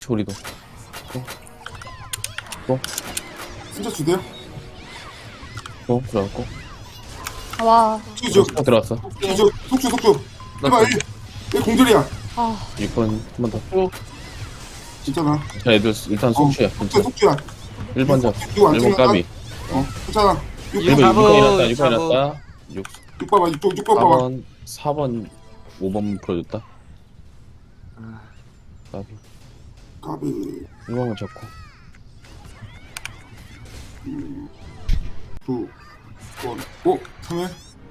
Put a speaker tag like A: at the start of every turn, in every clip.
A: 우리도.
B: 진짜 주대요?
A: 들어갔고.
C: 와,
B: 쭉
A: 들어왔어.
B: 속주 1번 1 공절이야.
C: 아,
A: 6번 한 번 더.
B: 진짜나.
A: 자, 애들 일단 속주야.
B: 속주야.
A: 1번 잡.
B: 이거 안
A: 1번
B: 찍는다?
A: 까비.
B: 괜찮아.
A: 1번
D: 잡어,
A: 6번 일어났다. 6번
D: 잡어.
A: 일어났다. 6
B: 6 봐봐 6 봐봐.
A: 4번 4번 5번 풀어줬다. 까비.
B: 까비
A: 1번만 잡고.
B: 9 번. 오 3회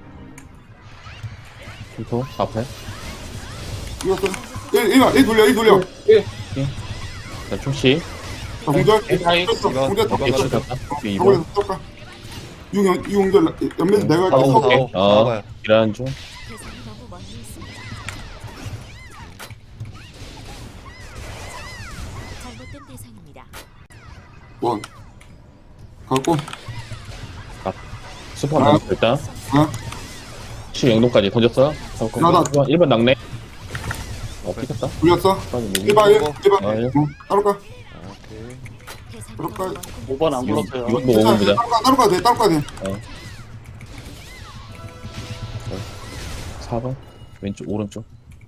A: 더 앞에.
B: 이겼어. 1 돌려.
A: 자, 충씨.
B: 자 공절.
D: 하이.
B: 공절 더.
A: 오케이, 갔다. 오케이, 2번.
B: 저거에서 떴까. 6 공절 연매에서 내가 할게.
A: 오케이.
B: 서고.
A: 오케이. 일하는 중.
E: 대상이 너무 멀리 있습니다. 잘못된 대상입니다.
B: 원. 갖고.
A: 스포 한 번 일단.
B: 하나.
A: 7영동까지 던졌어.
B: 나다.
A: 1번 낙내. 삐졌다.
B: 돌렸어. 1번 1번. 따로 가.
E: 대상이
B: 그럴까요?
E: 너무 멀리
D: 5번 안 불렀어요.
A: 이건 뭐 5번 보자.
B: 따로 가도 돼.
A: 4번. 왼쪽, 오른쪽.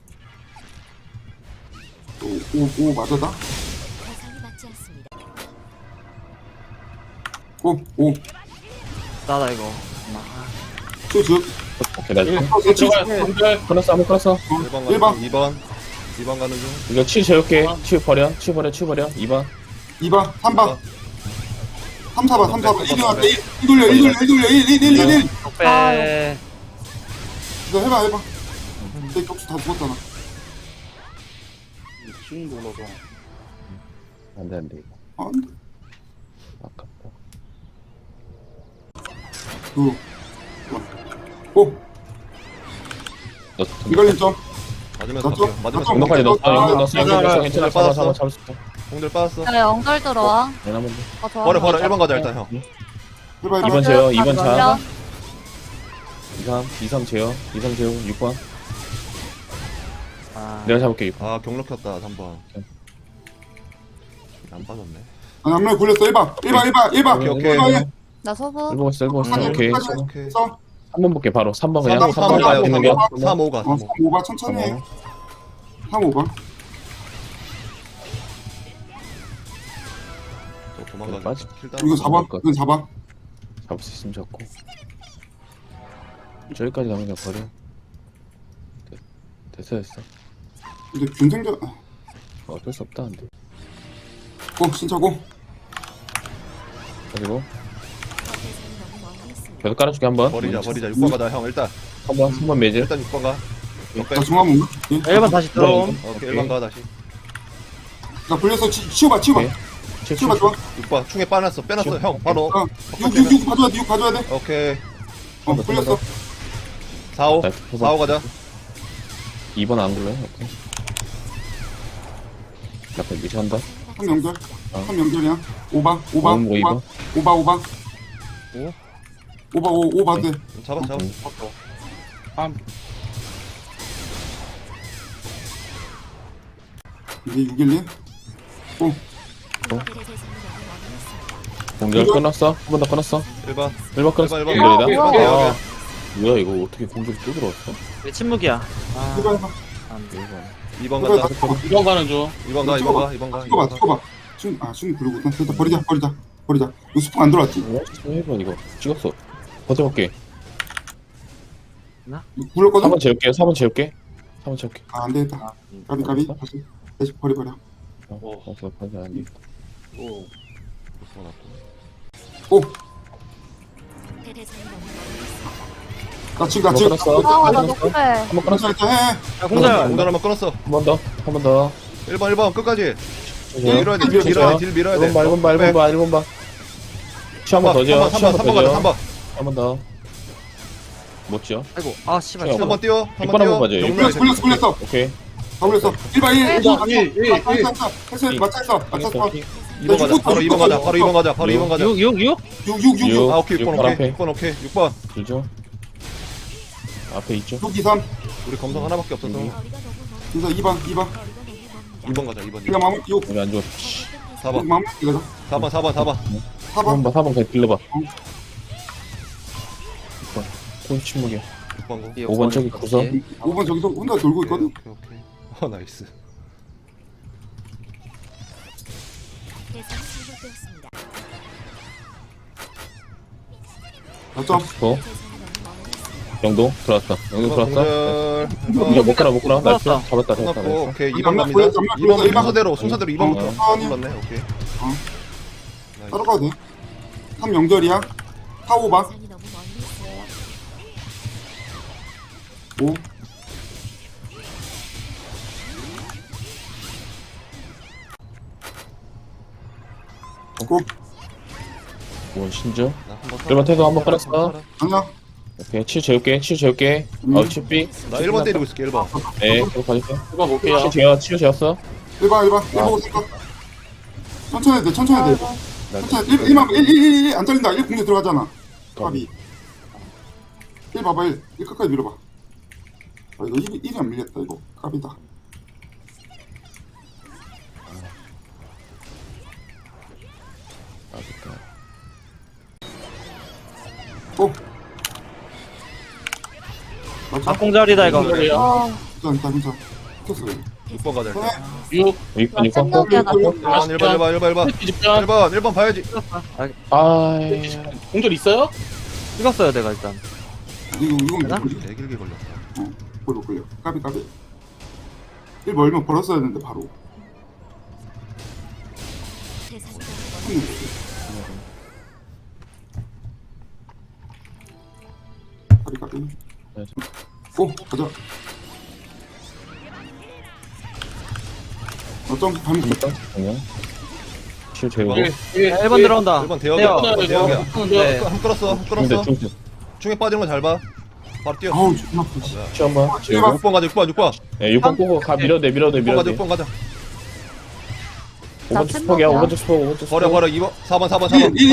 B: 오 맞아다.
E: 대상이 맞지 않습니다.
B: 오
D: 나다 이거.
B: 쭉.
A: 오케이, 나이스.
D: 들어가요.
A: 끊었어, 한번 끊었어.
B: 1번
F: 2번 가는 중.
A: 이거 치 재울게. 치 버려. 2번.
B: 2번 3번 3 4번 1 왔다 1 돌려 1
D: 빼.
B: 너 해봐 내 격수 다 죽었잖아.
D: 쭉 눌러서.
A: 안 돼, 안 돼. 이거.
B: 안돼.
A: 아깝다.
B: 5
A: 너,
B: 이걸린 점
F: 맞으면서
B: 맞죠?
F: 갈게요. 맞으면서
B: 맞죠?
A: 영동까지 넣었어.
B: 아,
A: 영동 넣었어. 영동 넣었어. 괜찮아.
F: 빠졌어.
A: 잡을 수 있어.
F: 공들 빠졌어.
C: 야, 영절 들어와.
A: 얘나 먼저.
C: 아, 좋아.
F: 버려 1번 가자 일단 형.
B: 해봐
A: 2번 제어, 2번
C: 맞아.
A: 차. 2, 3 제어. 6번.
D: 아,
A: 내가 잡을게, 6번.
F: 아 경로 켰다 3번. 안 빠졌네.
B: 아니 앞면에 굴렸어 1번
F: 오케이.
C: 나 소부.
A: 1번 있어, 1번 있어. 오케이.
F: 오케이.
A: 3번 볼게, 바로. 3번 그냥.
F: 3번
A: 3번
F: 가요.
A: 있는 게.
F: 3, 5 가. 3, 5.
B: 5번 천천히 해 3, 5번
F: 또 도망가자.
A: 빠지.
B: 이거 4번 이건 4번
A: 잡을 수 있으면 잡고. 저기까지 가면 그냥 버려. 됐어.
B: 근데 균생전
A: 어쩔 수 없다, 근데.
B: 고 신차고
A: 그리고
E: 대상이 너무 멀리 있습니다.
A: 계속 깔아줄게, 한 번.
F: 버리자 6번 가자 형 일단.
A: 3번 매질.
F: 일단 6번 가.
B: 나 중앙 뭔가
D: 1번 다시 들어옴.
F: 오케이 1번 가 다시.
B: 나 굴렸어 치워봐
A: 오케이.
B: 치워봐 좋아
F: 6번 충에 빼놨어 형 바로.
B: 6 가져야 돼 6 가져야 돼
F: 오케이.
B: 굴렸어
F: 4, 5.
A: 네,
F: 4, 5 가자.
A: 2번 안 굴러요? 오케이. 앞에 미시한다.
B: 3 연결 3 연결이야 5번
A: 5번.
B: 5 봐도 돼
F: 잡아.
B: 이게 612
E: 그들의 대상이 너무 멀리 있습니다.
A: 공절 끊었어. 한 번 더 끊었어.
F: 1번.
A: 1번 끊었어.
F: 1번.
A: 공절이다.
F: 오케이.
A: 아, 뭐야 이거 어떻게 공절이 또 들어왔어?
D: 왜 침묵이야? 아,
B: 해봐 해봐
D: 안 돼.
F: 2번 간다.
D: 2번 가는 중.
F: 2번 가. 2번 가.
B: 찍어봐 춤 부르고 일단 버리자 이거 스포 안 들어왔지
A: 1번 이거 찍었어. 버텨볼게.
B: 굴렀거든
A: 4번 재울게. 4번 재울게.
B: 아 안되겠다 까비 다시 버려
A: 버텨 안 돼.
B: 오
E: 대상이 너무 멀리 있습니다.
B: 나 지금
A: 한번 끊었어.
C: 아, 나 녹배.
A: 한번 끊었어.
B: 일단 해
D: 야, 공절.
F: 공절 한번 끊었어.
A: 한 번 더.
F: 1번 끝까지.
A: 딜
F: 밀어야 돼. 딜 밀어야 돼.
A: 1번 봐. 시 한 번 더 지어.
F: 3번 가자. 3번.
A: 한 번 더. 못 지어.
D: 아이고, 아, 씨발.
A: 형.
F: 3번 뛰어.
A: 6번 한번 봐줘.
B: 굴렸어
A: 오케이.
B: 다 굴렸어 1번 1 맞췄어
F: 2번 가자. 바로 2번 가자. 바로 2번 가자.
D: 6.
B: 6
F: 아 오케이 6번
A: 바로
F: 오케이.
A: 앞에.
F: 6번 오케이. 6번.
A: 길죠. 앞에 있죠.
B: 6 2 3
F: 우리 검성 하나밖에 없어서.
E: 거리가 너무 멀리
B: 그래서 2번
E: 거리가 너무 멀리
F: 2번 가자 2번
B: 그냥 마무리 6
A: 여기 안 좋아.
F: 4번
B: 마무리 이거다
F: 4번 4번 4번
B: 4번
A: 4번 그냥 빌려봐. 6번. 꼴 침묵이야.
F: 6번 고
A: 5번 저기 구석.
B: 5번 저기서 혼자 돌고 있거든
F: 오케이 나이스
E: 대상이 잘못되었습니다.
B: 어쩜
A: 고.
E: 대상이 너무 멀리 있습니다.
A: 영동 들어왔어. 영동 들어왔어.
F: 공절
A: 이제 못 가라 못 가라. 나이스.
D: 들어왔어.
A: 잡았다
F: 끝났고
A: 잡았다.
F: 오케이
B: 안
F: 2번
B: 맞고,
F: 갑니다
B: 안 맞고,
F: 2번
B: 일반.
F: 순서대로 2번부터
B: 아니.
F: 맞네 오케이 나이스.
B: 따라가야 돼 3 영절이야 4 5봐
E: 대상이 너무 멀리 있어요.
B: 5 9
A: 5번 신주.
F: 나 한번
A: 일번 태도 한번 깔았어.
B: 아니야
A: 오케이. 치 재울게. 치 재울게. 치삐.
F: 나 1번 때리고 있을게 1번
A: 네. 계속 가줄게.
D: 1번 볼게요.
A: 치유 재웠어.
B: 1봐 1봐 1 보고 생각 천천히 해야 돼 천천히 해야 돼
A: 나이스.
B: 천천히 1만 1안 잘린다 1 공격 들어가잖아 까비 1 봐봐 1 끝까지 밀어봐 아 이거 1이 안 밀렸다 이거 까비다 오 맞아
D: 앞공자리다 이거.
C: 어,
B: 괜찮다 괜찮아 켰어
F: 6번 가자 일단
A: 6. 6번 6번 꼭.
C: 생각이야, 나.
F: 1번 봐야지
A: 아이.
G: 공절 있어요?
D: 찍었어요 내가 일단.
B: 이건
D: 되나?
B: 뭐지?
F: 네 길게 걸렸다
B: 볼로 걸려 까비 까비 1 멀면 벌었어야 했는데 바로
E: 대상이 너무 멀리
B: 까비 까비
A: 네.
B: 오 가자 어쩜 반응
A: 그냥. 치유 재우고.
D: 1번 들어온다.
F: 1번 대역이야
D: 대역.
F: 대역이야
D: 네.
F: 한 끌었어 한
A: 중대
F: 끌었어
A: 중대.
F: 중에 빠지는 거 잘 봐 바로 뛰어
B: 아우 존나 아프지
A: 치 한번. 재우고.
F: 6번 가자 6번
A: 네. 6번 꼬고 가 밀어내 밀어내
F: 6번 가자
A: 밀어내.
F: 6번 가자
A: 5번 스포기야. 5번 스포. 5번 스포.
F: 버려 버려 2번 4번 4번 4번 4번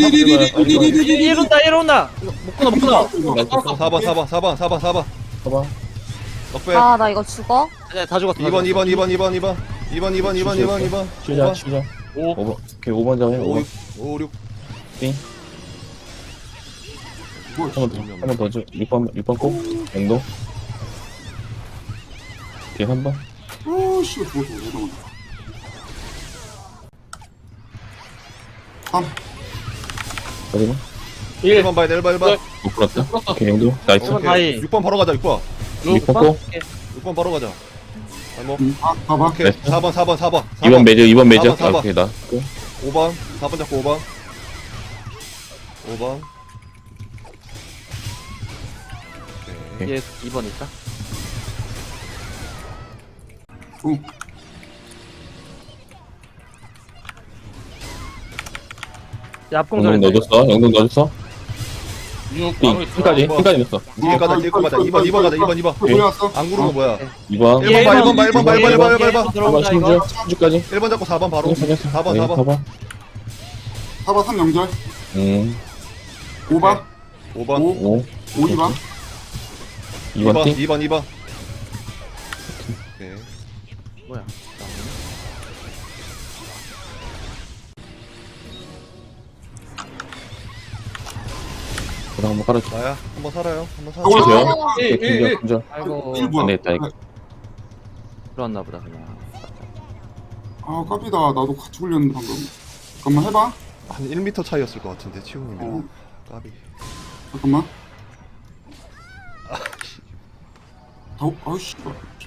D: 1 온다 1 온다. 못 끊어 못 끊어.
F: 4번 4번 4번 4번 4번
A: 봐봐.
F: 넉배
C: 아, 나 이거 죽어?
D: 네, 다 죽었어.
F: 2번 2번 2번 2번 2번 2번 2번 2번 2번 2번
A: 치자 치자. 5번. 오케이 5번 잡아.
F: 5
A: 5번.
F: 5 6
A: 한번 더 줘. 6번 꼭. 영동. 뒤에 3번.
B: 오씨 죽었어 잠깐만 3
A: 그리고
F: 1번 봐야 돼 1번 1번
A: 못 풀었다. 오케이 영동. 나이스.
D: 5번 다이.
F: 6번 바로 가자 6번
A: 6번 꼭.
F: 6번 바로 가자 발목
B: 봐봐
F: 오케이
A: 네.
F: 4번 4번 4번
A: 2번 매저 2번 매저.
F: 4번.
A: 아, 오케이 나.
F: 5번 4번 잡고 5번 5번 오케이
D: 얘 2번 있다.
B: 오
D: 야,
A: 영동
D: 앞공자리.
A: 넣어줬어. 영동 넣어줬어.
G: 6
A: 띵.
G: 바로
A: 끝까지.
F: 뭐.
A: 끝까지 넣었어.
F: 뒤에 가자 뒤에 가자 2번 가자 2번
B: 돌려왔어
F: 안 구르는 거 뭐야
A: 2번.
F: 1번 봐 1번 봐 1번 봐 1번 봐 1번 봐 1번
A: 4번 신주. 신주까지.
F: 1번 잡고 4번 바로 4번 4번
A: 4번.
B: 4번 3 영절 5봐
F: 5번
B: 5
A: 5.
B: 5 2봐
A: 2번 띵.
F: 2번 2번 오케이
D: 뭐야?
A: 그다음 한번 깔아줘.
F: 나야 한번 살아요 한번 살아
B: 어,
A: 치세요.
B: 어,
A: 오케이 군자.
D: 아이고.
B: 1 뭐야
A: 안 되겠다, 이거.
D: 들어왔나 보다 그냥.
B: 아 까비다 나도 같이 굴렸는데 방금 잠깐만 해봐
F: 한 1m 차이였을 것 같은데 치우님이랑 까비
B: 잠깐만 아우씨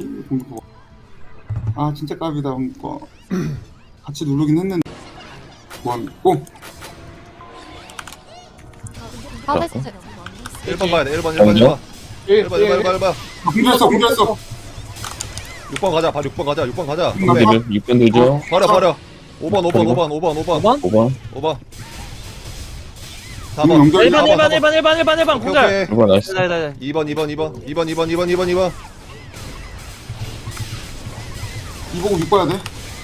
B: 아 진짜 까비다 거 같이 누르긴 했는데 원 고!
C: 하베스트.
E: 너무 멀리 있어요.
F: 1번 봐야 돼 1번 1번 1번 1번 1번 1번
B: 공주했어 공주했어
F: 6번 가자 바로 6번 가자 6번 가자
A: 6번 누죠.
F: 버려 5번 5번
A: 5번.
F: 5번
B: 4번
F: 4번
D: 1번 공자.
A: 6번 나이스.
D: 네, 네, 네.
F: 2번
B: 2 보고 6 봐야 돼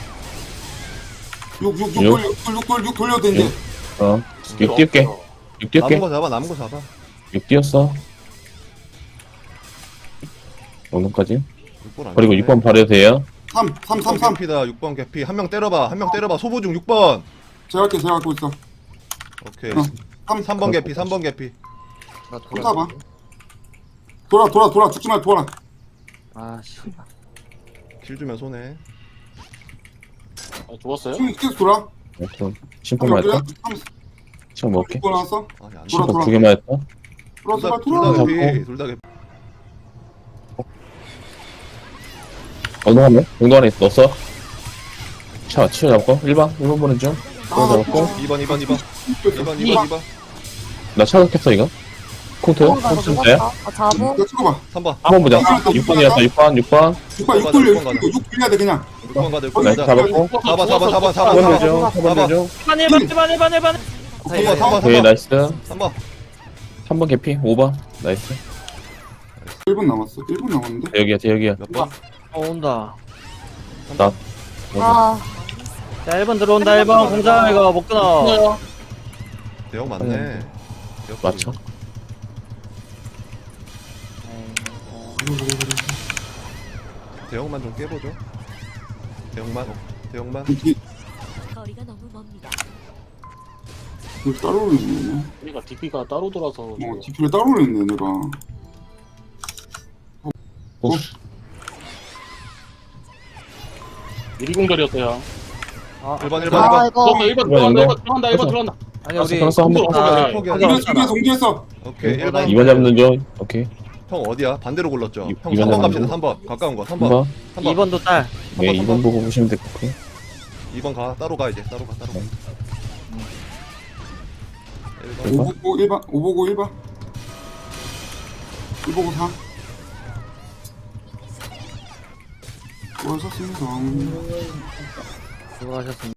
B: 6 돌려도 돼 이제
A: 어. 6 띄울게. 6 띄울게.
F: 남은 거 잡아 남은 거 잡아
A: 6 띄웠어. 영동까지.
F: 6번 안
A: 그리고
F: 잡네.
A: 6번 발효돼요.
B: 3
F: 개피다 6번 개피 한 명 때려봐 소부 중 6번
B: 제가 갖고 있어.
F: 오케이
B: 3
F: 3번 개피 3번 개피
D: 나
B: 봐. 돌아 죽지 말고 돌아.
D: 아 씨발.
F: 킬 주면 손해
G: 아, 죽었어요?
B: 계속 돌아.
A: 그럼 심포만 했다.
B: 3
A: 시간 먹을게.
B: 나왔어.
F: 아니 안
B: 돌아,
A: 심포 2개만 했다.
B: 돌아
F: 둘다
B: 돌아.
F: 개피 둘다 개피
A: 어느 한 명? 용도 안에 넣었어. 차, 치워 잡고. 1번 보는 중. 치워 잡고.
F: 2번
A: 나 차각했어, 이거. 콩트.
C: 뭔가 이거
A: 콩트 돼.
C: 누웠다. 잡음.
B: 이거 찍어봐.
F: 3번
A: 한번 보자. 6번이었어, 6번.
B: 6 돌려. 6 돌려야 돼 그냥.
F: 6번 가들
A: 나이스, 잡았고.
F: 4번
A: 4번 중, 4번 중.
D: 1번.
A: 오케이, 나이스.
F: 3번
A: 3번 개피, 5번. 나이스.
B: 1분 남았어. 1분 남았는데.
A: 대역이야.
F: 몇 번?
D: 온다.
A: 나.
C: 아,
D: 자 1번 들어온다 1번 공장 이거 못 끊어.
G: 끊어요.
F: 대형 맞네 대형
A: 맞춰.
F: 대형만 좀 깨보죠 대형만
E: 거리가 너무 멉니다.
B: 이거 따로 올렸네.
G: 우리가 DP가 따로 돌아서 지금.
B: DP를 따로 올렸네 내가.
G: 유리공절이었어요.
F: 1번
C: 아, 이거.
G: 들어간다 1번 들어간다 1번 들어간다.
D: 아니 우리
A: 끊었어, 한 번.
G: 아,
B: 정지했어.
F: 오케이
D: 1번
A: 2번 잡는 중. 오케이.
F: 형 어디야? 반대로 골랐죠? 형
A: 이번
F: 3번 갑시다
A: 잡는
F: 3번 가까운 거 3번
A: 3번.
D: 2번도 딸.
A: 네, 2번 보고 보시면 될 것 같고.
F: 2번 가 따로 가 이제 따로 가 1번
B: 5 보고 1번. 5 보고 1번. 1 보고 4. 수고하셨습니다.
D: 수고하셨습니다.